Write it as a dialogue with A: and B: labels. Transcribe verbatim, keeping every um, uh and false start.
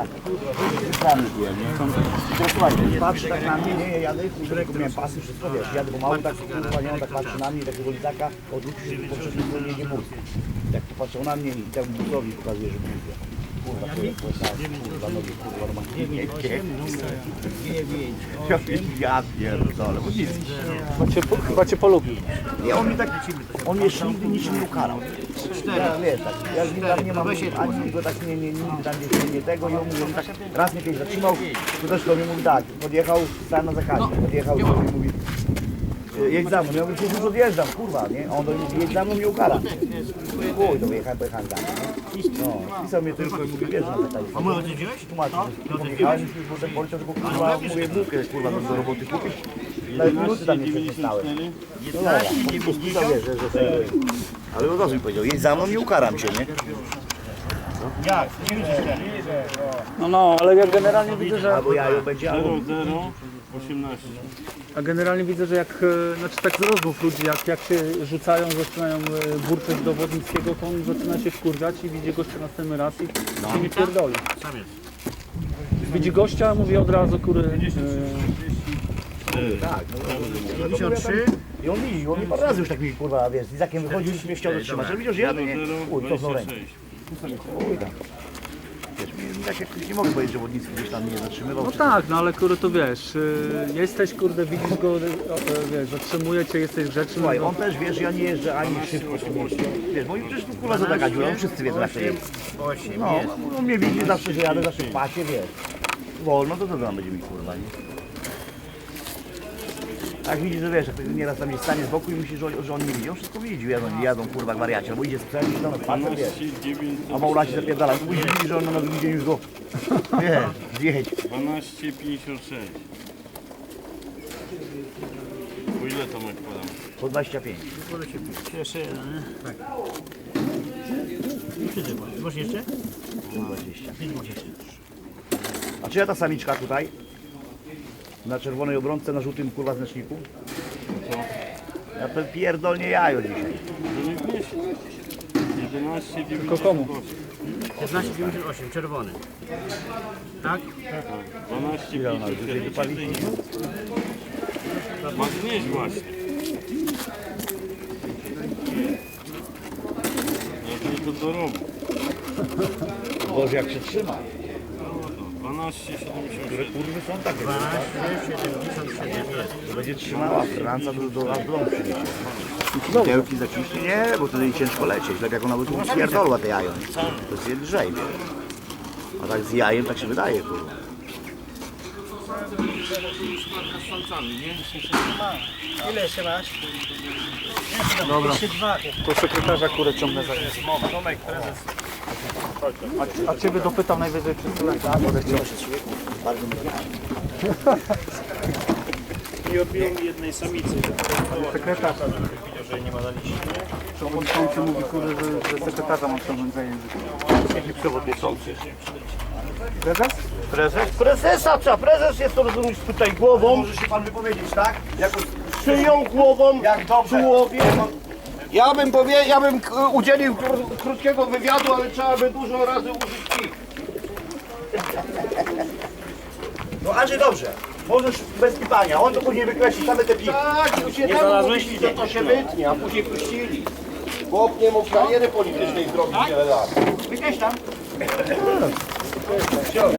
A: tak. Patrzy tak na mnie, nie, ja jadę, którego miałem pasy, wszystko wiesz, jadę pomału, tak kurwa, nie, on tak patrzy na mnie, takiego lizaka, odwrócił się po poprzedniej stronie nie mówi. Tak popatrzył na mnie i temu buzowi pokazuje, że mówię. Kurwa, kurwa, kurwa, nogi, kurwa, romantycznie. Ja pierdolę, bo nic.
B: Chyba cię, po- chyba cię polubił.
A: Nie, on mi tak, on jeszcze nigdy niczym nie ukarał. Ja, wiesz, tak, ja z nim tam nie mam, ani go tak nie, nie, nigdy tam nie, nie tego i on mówi, on tak raz mnie kiedyś zatrzymał, to też do mnie mówi tak, podjechał, stałem na zakazie, podjechał i do mnie mówi, jedź za mną, ja mówię, przecież już odjeżdżam, kurwa, nie? A on do mnie mówi, jedź za mną, nie ukara. Chuj, to wyjechałem, pojechałem za mną, nie? No, pisał mnie tylko i mówi, wiesz, że tak.
C: A my odjeździłeś?
A: Tłumaczył, że podjechałem i potem poleciał, że kurwa, mówię, bułkę, kurwa, do roboty kupić. Nawet minuty tam jeszcze nie stałem. No dobra, po prostu pisał, wiesz, że, że sobie... Ale od razu mi powiedział, jedź za mną, nie ukaram cię, nie?
C: Jak? Nie widzisz ten?
B: No, no, ale ja generalnie widzę, że...
A: Albo jajo będzie, albo...
D: zero osiemnaście.
B: A generalnie widzę, że jak, e, znaczy tak z rozmów ludzi, jak, jak się rzucają, zaczynają e, burczeć do Wodnickiego, to on zaczyna się wkurwiać i widzi gościa następny raz i się nie pierdoli.
C: Sam jest.
B: Widzi gościa, mówi od razu, kury,
A: Tak, no,
C: pięćdziesiąt trzy.
A: i on widzi, on mi parę razy już tak mi, kurwa, wiesz, z Izakiem wychodził i mnie chciał zatrzymać, ale widział, że jadę, nie? Uj, cofnął rękę. Uj, tam. Wiesz, mi tak jak nie mogę powiedzieć, że Wodnicki gdzieś tam mnie zatrzymywał.
B: no
A: czy
B: tak, no ale kurde, to wiesz, e, jesteś, kurde, widzisz go, e, wiesz, zatrzymuje cię, jesteś grzeczny.
A: Słuchaj,
B: no,
A: on też, wiesz, ja nie jeżdżę ani szybko, czy nie. Wiesz, bo i przecież tu kurwa za taka dziura, on wszyscy wiedzą jak to jest.
C: osiem
A: No,
C: jest.
A: on mnie widzi zawsze, że jadę zawsze w pasie, wiesz. Wolno, to co tam będzie mi kurwa, nie? Tak widzi, że wiesz, jak nieraz tam jest stanie z boku i myśli, że on, że on nie widzi. On wszystko widzi, jadą, jadą kurwa gwariacie, albo idzie sprzęt i tam patrzę, wiesz. A Maula się zapierdala, to musi widzi, że on na drugim dzień już go, wiesz, zjedź.
D: dwanaście pięćdziesiąt sześć. Po ile Tomek podam?
A: Po dwadzieścia pięć.
C: Jeszcze jeden, nie? Tak. Wszyscy, masz jeszcze?
A: dwadzieścia.
C: pięć dwadzieścia.
A: A czy ja ta samiczka tutaj? Na czerwonej obrączce, na żółtym kurwa znaczniku? Ja to pierdolnie jajo dzisiaj.
D: To nie wniesie. jedenaście
B: Tylko
D: dziewięćdziesiąt
B: komu?
D: osiem.
C: piętnaście dziewięćdziesiąt osiem, czerwony. Tak?
D: dwanaście
A: Ile ona już dzisiaj
D: pięćdziesiąt
A: wypalić?
D: sześć. Ma znieść właśnie. Jak nie to dorobi.
A: Boże, jak się trzyma.
D: dwanaście siedemdziesiąt
A: Które
D: sześć.
A: kurwy są takie,
C: dwanaście siedemdziesiąt siedem jest.
A: to będzie trzymała Franca do, do nas bląd przyniesie. Pudełki zaciśnie? Nie, bo wtedy jej ciężko lecieć. Tak jak ona by tu spierdolła te jajo. To jest lżej, wiesz. A tak z jajem tak się wydaje, kurwa.
C: Ile jeszcze masz?
B: Dobra,
C: Jeszcze dwa.
B: to sekretarza kurę ciągnę za nim.
C: Tomek, prezes.
B: A, a ciebie dopytam najwyżej przez tyle.
A: Bardzo mi
C: Nie odbiłem jednej samicy.
B: Sekretarz. Przewodniczący mówi, kurde, że, że sekretarza mam ciągnąć za język.
A: Jaki przewodniczący?
B: Prezes?
A: Prezes? Prezesa co? Prezes jest to rozumiesz tutaj głową. Może się pan wypowiedzieć, tak? Jako
E: Szyją głową,
A: jak dobrze.
E: tułowiem. Ja bym powie, ja bym k- udzielił kró- krótkiego wywiadu, ale trzeba by dużo razy użyć kij.
A: No Andrzej, dobrze. Możesz bez pipania. On to później wykreśli same te piki.
E: Tak, już się tam mówili, że to się wytnie, a później puścili. Chłop nie mógł kariery politycznej zrobić wiele lat.
A: Wykreś tam.